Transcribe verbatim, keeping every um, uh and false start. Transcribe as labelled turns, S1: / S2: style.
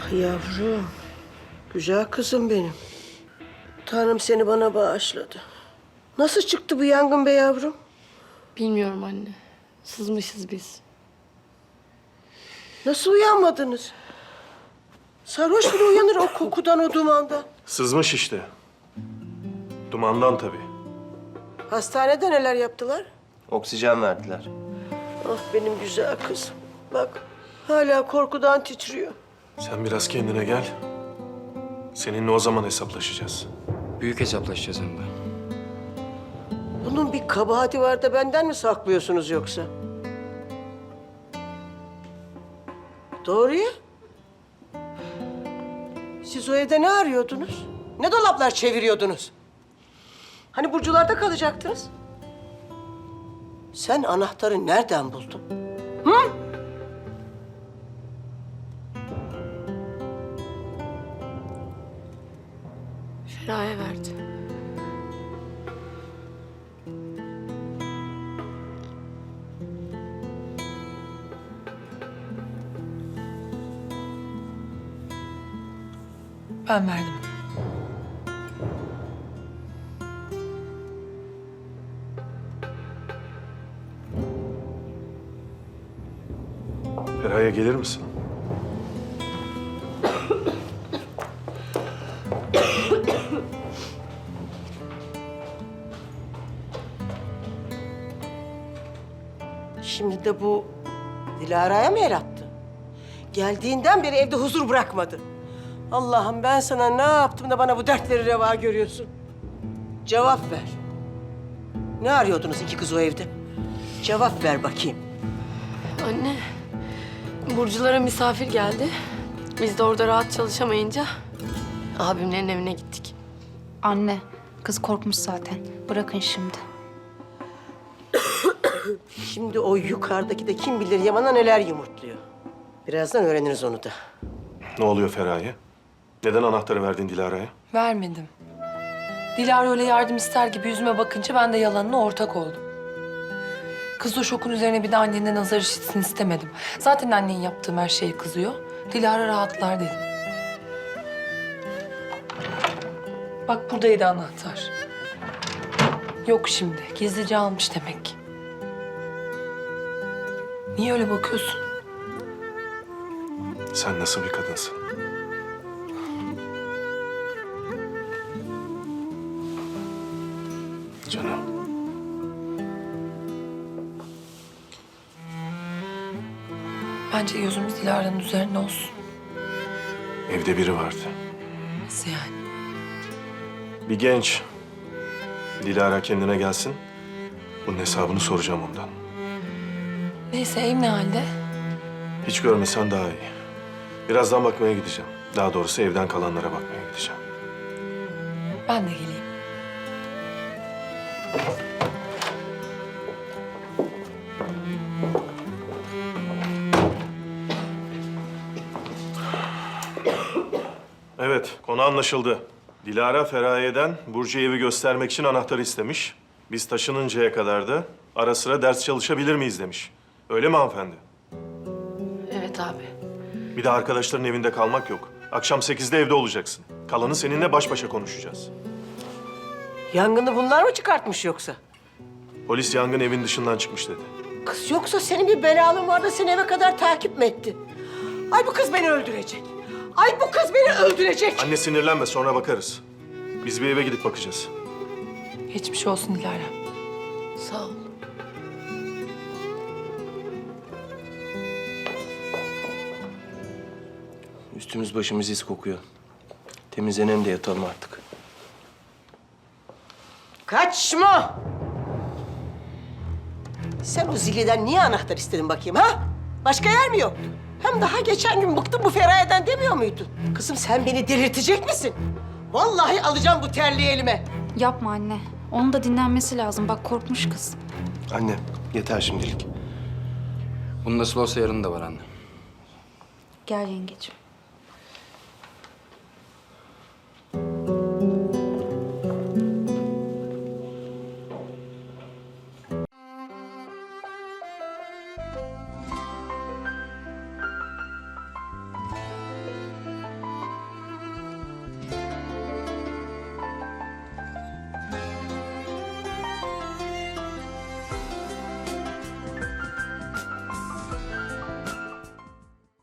S1: Yavrum, güzel kızım benim. Tanrım seni bana bağışladı. Nasıl çıktı bu yangın be yavrum?
S2: Bilmiyorum anne. Sızmışız biz.
S1: Nasıl uyanmadınız? Sarhoş bile uyanır o kokudan, o dumandan.
S3: Sızmış işte. Dumandan tabii.
S1: Hastanede neler yaptılar?
S4: Oksijen verdiler.
S1: Ah benim güzel kızım. Bak hala korkudan titriyor.
S3: Sen biraz kendine gel. Seninle o zaman hesaplaşacağız.
S5: Büyük hesaplaşacağız hem de.
S1: Bunun bir kabahati var da benden mi saklıyorsunuz yoksa? Doğru ya. Siz o evde ne arıyordunuz? Ne dolaplar çeviriyordunuz? Hani Burcular'da kalacaktınız? Sen anahtarı nereden buldun? Hı?
S2: Feraye verdi.
S6: Ben verdim.
S3: Feraye gelir misin?
S1: Şimdi de bu Dilara'ya mı el attı? Geldiğinden beri evde huzur bırakmadı. Allah'ım ben sana ne yaptım da bana bu dertleri reva görüyorsun? Cevap ver. Ne arıyordunuz iki kız o evde? Cevap ver bakayım.
S2: Anne, Burculara misafir geldi. Biz de orada rahat çalışamayınca abimlerin evine gittik.
S7: Anne, kız korkmuş zaten. Bırakın şimdi.
S1: Şimdi o yukarıdaki de kim bilir Yaman'a neler yumurtluyor. Birazdan öğreniriz onu da.
S3: Ne oluyor Feraye? Neden anahtarı verdin Dilara'ya?
S6: Vermedim. Dilara öyle yardım ister gibi yüzüme bakınca ben de yalanına ortak oldum. Kız o şokun üzerine bir de annenden nazar işitsin istemedim. Zaten annen yaptığım her şeye kızıyor. Dilara rahatlar dedim. Bak buradaydı anahtar. Yok şimdi. Gizlice almış demek ki. Niye öyle bakıyorsun?
S3: Sen nasıl bir kadınsın? Canım.
S6: Bence gözümüz Dilara'nın üzerinde olsun.
S3: Evde biri vardı.
S6: Nasıl yani?
S3: Bir genç. Dilara kendine gelsin. Bunun hesabını soracağım ondan.
S6: Neyse ev ne halde?
S3: Hiç görmesen daha iyi. Birazdan bakmaya gideceğim. Daha doğrusu evden kalanlara bakmaya gideceğim.
S6: Ben de geleyim.
S3: Evet, konu anlaşıldı. Dilara Feraye'den Burcu'ya evi göstermek için anahtarı istemiş. Biz taşınıncaya kadar da ara sıra ders çalışabilir miyiz demiş. Öyle mi hanımefendi?
S2: Evet abi.
S3: Bir de arkadaşların evinde kalmak yok. Akşam sekizde evde olacaksın. Kalanı seninle baş başa konuşacağız.
S1: Yangını bunlar mı çıkartmış yoksa?
S3: Polis yangın evin dışından çıkmış dedi.
S1: Kız yoksa senin bir belalın var da seni eve kadar takip mi etti? Ay bu kız beni öldürecek. Ay bu kız beni öldürecek.
S3: Anne sinirlenme, sonra bakarız. Biz bir eve gidip bakacağız.
S6: Geçmiş olsun Dilara.
S2: Sağ ol.
S4: Üstümüz başımız iz kokuyor. Temizlenelim de yatalım artık.
S1: Kaçma! Sen o ziliden niye anahtar istedin bakayım ha? Başka yer mi yoktu? Hem daha geçen gün bıktım bu Feraye'den demiyor muydun? Kızım sen beni delirtecek misin? Vallahi alacağım bu terliği elime.
S7: Yapma anne. Onun da dinlenmesi lazım. Bak korkmuş kız.
S4: Anne, yeter şimdilik.
S5: Bunun nasıl olsa yarın da var anne.
S7: Gel yengeciğim.